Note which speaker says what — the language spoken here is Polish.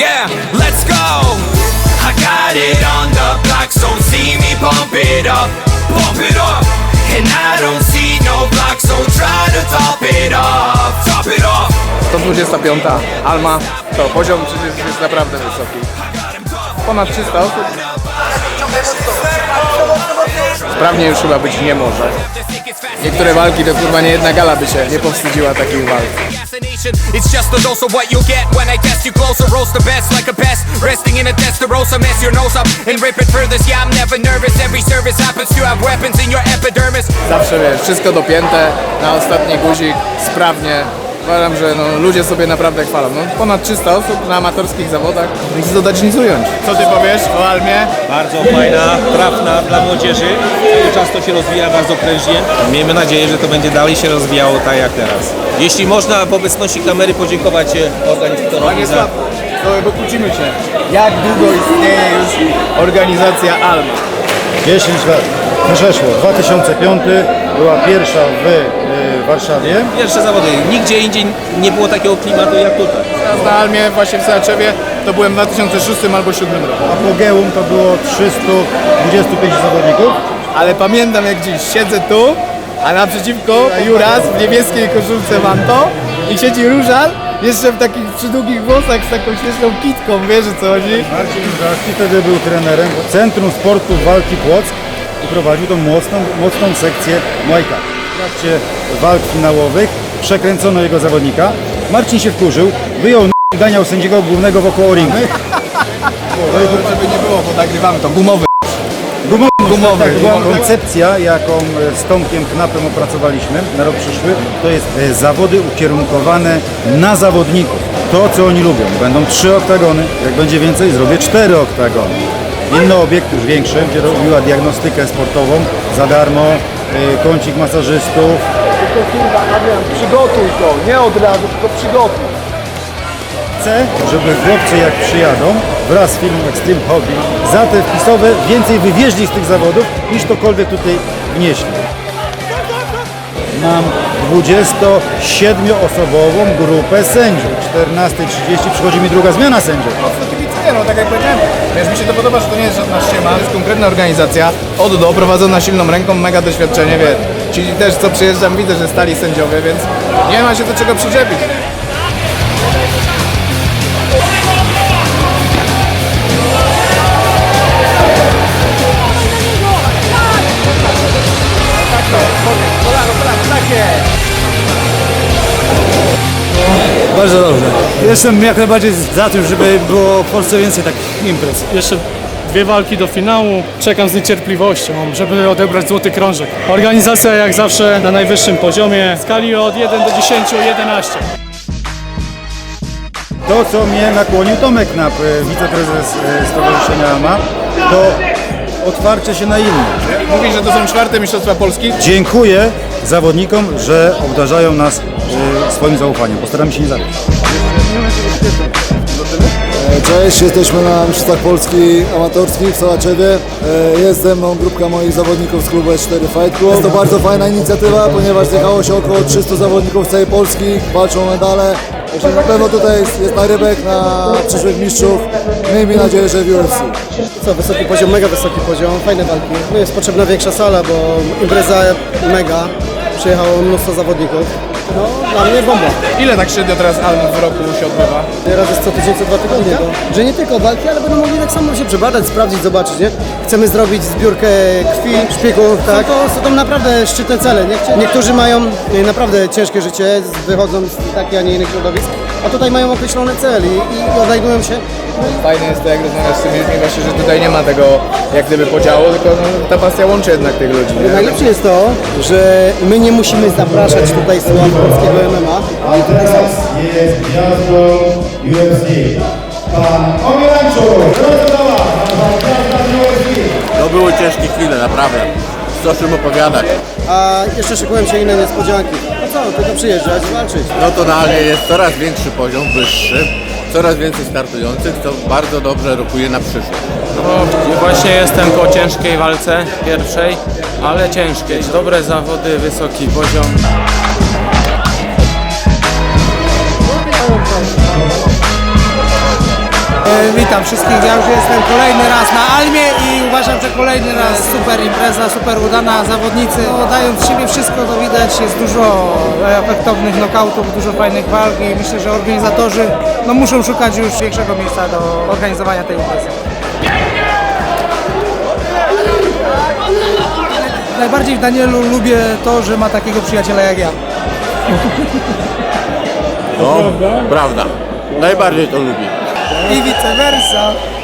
Speaker 1: Yeah, let's go. I got it on the block, so see me pump it up, pump it up. And I don't see no block, so try to top it up, top it up.
Speaker 2: 125. Alma. To poziom przecież jest naprawdę wysoki. Ponad 300 osób. Sprawnie już chyba być nie może. Niektóre walki to kurwa nie jedna gala by się nie powstydziła takich walk.
Speaker 1: It's just a dose of what you get when I test you closer. Roast the best like a pest, resting in a testarossa. Mess your nose up and rip it furthest. Yeah, I'm never nervous. Every service happens to have weapons in your epidermis.
Speaker 2: Zawsze wiesz, wszystko dopięte na ostatni guzik, sprawnie. Uważam, że ludzie sobie naprawdę chwalą. Ponad 300 osób na amatorskich zawodach. Nic dodać, nic ująć. Co ty powiesz o Almie?
Speaker 3: Bardzo fajna, trafna dla młodzieży. Cały czas to się rozwija bardzo prężnie. Miejmy nadzieję, że to będzie dalej się rozwijało tak jak teraz. Jeśli można w obecności kamery podziękować organizatorowi za...
Speaker 2: Bo kłócimy się. Jak długo istnieje już organizacja Alma?
Speaker 4: 10 lat. Przeszło. 2005 była pierwsza w Warszawie.
Speaker 3: Pierwsze zawody. Nigdzie indziej nie było takiego klimatu jak tutaj.
Speaker 2: Teraz na Almie, właśnie w Sołaczewie, to byłem w 2006 albo 2007 roku.
Speaker 4: Apogeum to było 325 zawodników.
Speaker 2: Ale pamiętam jak dziś, siedzę tu, a naprzeciwko Juras w niebieskiej koszulce manto i siedzi Różal, jeszcze w takich przydługich włosach z taką śmieszną kitką, wiesz o co chodzi?
Speaker 4: Marcin Różalski wtedy był trenerem Centrum Sportu Walki Płock i prowadził tą mocną sekcję Muay Thai. W trakcie walk finałowych przekręcono jego zawodnika. Marcin się wkurzył, wyjął i ganiał sędziego głównego wokoło ringu.
Speaker 2: Żeby nie było, bo nagrywamy to gumowy.
Speaker 4: Gumowy. Tak, była koncepcja, jaką z Tomkiem Knapem opracowaliśmy na rok przyszły. To jest zawody ukierunkowane na zawodników. To, co oni lubią. Będą 3 oktagony. Jak będzie więcej, zrobię 4 oktagony. Inny obiekt już większy, gdzie robiła diagnostykę sportową za darmo, kącik masażystów.
Speaker 2: Tylko kurwa, Adrian, przygotuj to, nie od razu, tylko przygotuj.
Speaker 4: Chcę, żeby chłopcy jak przyjadą wraz z filmem Extreme Hobby za te wpisowe więcej wywieźli z tych zawodów niż tokolwiek tutaj wnieśli. Mam 27-osobową grupę sędziów. 14:30 przychodzi mi druga zmiana sędziów.
Speaker 2: Tak jak powiedziałem, wiesz, mi się to podoba, że to nie jest żadna ściema, to jest konkretna organizacja, od do, prowadzona silną ręką, mega doświadczenie, wiesz. Ci też co przyjeżdżam widzę, że stali sędziowie, więc nie ma się do czego przyczepić.
Speaker 5: Bardzo dobrze. Jestem jak najbardziej za tym, żeby było w Polsce więcej takich imprez.
Speaker 6: Jeszcze 2 walki do finału. Czekam z niecierpliwością, żeby odebrać złoty krążek. Organizacja jak zawsze na najwyższym poziomie. W skali od 1 do 10, 11.
Speaker 4: To, co mnie nakłonił Tomek Knap, wiceprezes Stowarzyszenia AMA, to otwarcie się na innych.
Speaker 2: Mówisz, że to są 4. Mistrzostwa Polski?
Speaker 4: Dziękuję zawodnikom, że obdarzają nas swoim zaufaniem. Postaramy się nie zabić.
Speaker 7: Cześć, jesteśmy na Mistrzostwach Polski amatorskich w Sołaczewie. Jest ze mną grupka moich zawodników z klubu S4 Fight Club. Jest to bardzo fajna inicjatywa, ponieważ zjechało się około 300 zawodników z całej Polski, walczą o medale. Także na pewno tutaj jest narybek na przyszłych mistrzów. Miejmy nadzieję, że w UFC.
Speaker 8: Co, wysoki poziom, mega wysoki poziom, fajne walki. No jest potrzebna większa sala, bo impreza mega. Przyjechało mnóstwo zawodników. No, dla mnie bomba.
Speaker 2: Ile tak średnio teraz Alm w roku się odbywa?
Speaker 8: Raz jest co tydzień, co 2 tygodnie. Że nie tylko walki, ale będą mogli tak samo się przebadać, sprawdzić, zobaczyć, nie? Chcemy zrobić zbiórkę krwi, szpiegów, tak? Są to naprawdę szczytne cele, nie? Niektórzy mają naprawdę ciężkie życie, wychodzą z takich, a nie innych środowisk, a tutaj mają określony cel i odnajdują się.
Speaker 2: Fajne jest to, jak rozmawiasz z tymi ludźmi, właśnie, że tutaj nie ma tego jak gdyby podziału, tylko ta pasja łączy jednak tych ludzi. Nie?
Speaker 8: Najlepsze jest to, że my nie musimy zapraszać tutaj sław polskiego MMA, ale tutaj są.
Speaker 4: Jest gwiazdą UFC. Pan Omielanczu,
Speaker 9: To były ciężkie chwile, naprawdę. Co o czym opowiadać.
Speaker 8: A jeszcze szykują się inne niespodzianki. No co, tylko przyjeżdżać, walczyć.
Speaker 9: No to realnie jest coraz większy poziom, wyższy. Coraz więcej startujących, co bardzo dobrze rokuje na przyszłość.
Speaker 10: No, właśnie jestem po ciężkiej walce, pierwszej, ale ciężkiej. Dobre zawody, wysoki poziom.
Speaker 8: Witam wszystkich, ja już jestem kolejny raz na Almie i uważam, że kolejny raz super impreza, super udana, zawodnicy dają z siebie wszystko, to widać, jest dużo efektownych knokautów, dużo fajnych walk i myślę, że organizatorzy muszą szukać już większego miejsca do organizowania tej imprezy. Najbardziej w Danielu lubię to, że ma takiego przyjaciela jak ja.
Speaker 9: No, prawda. Najbardziej to lubi.
Speaker 8: I vice versa.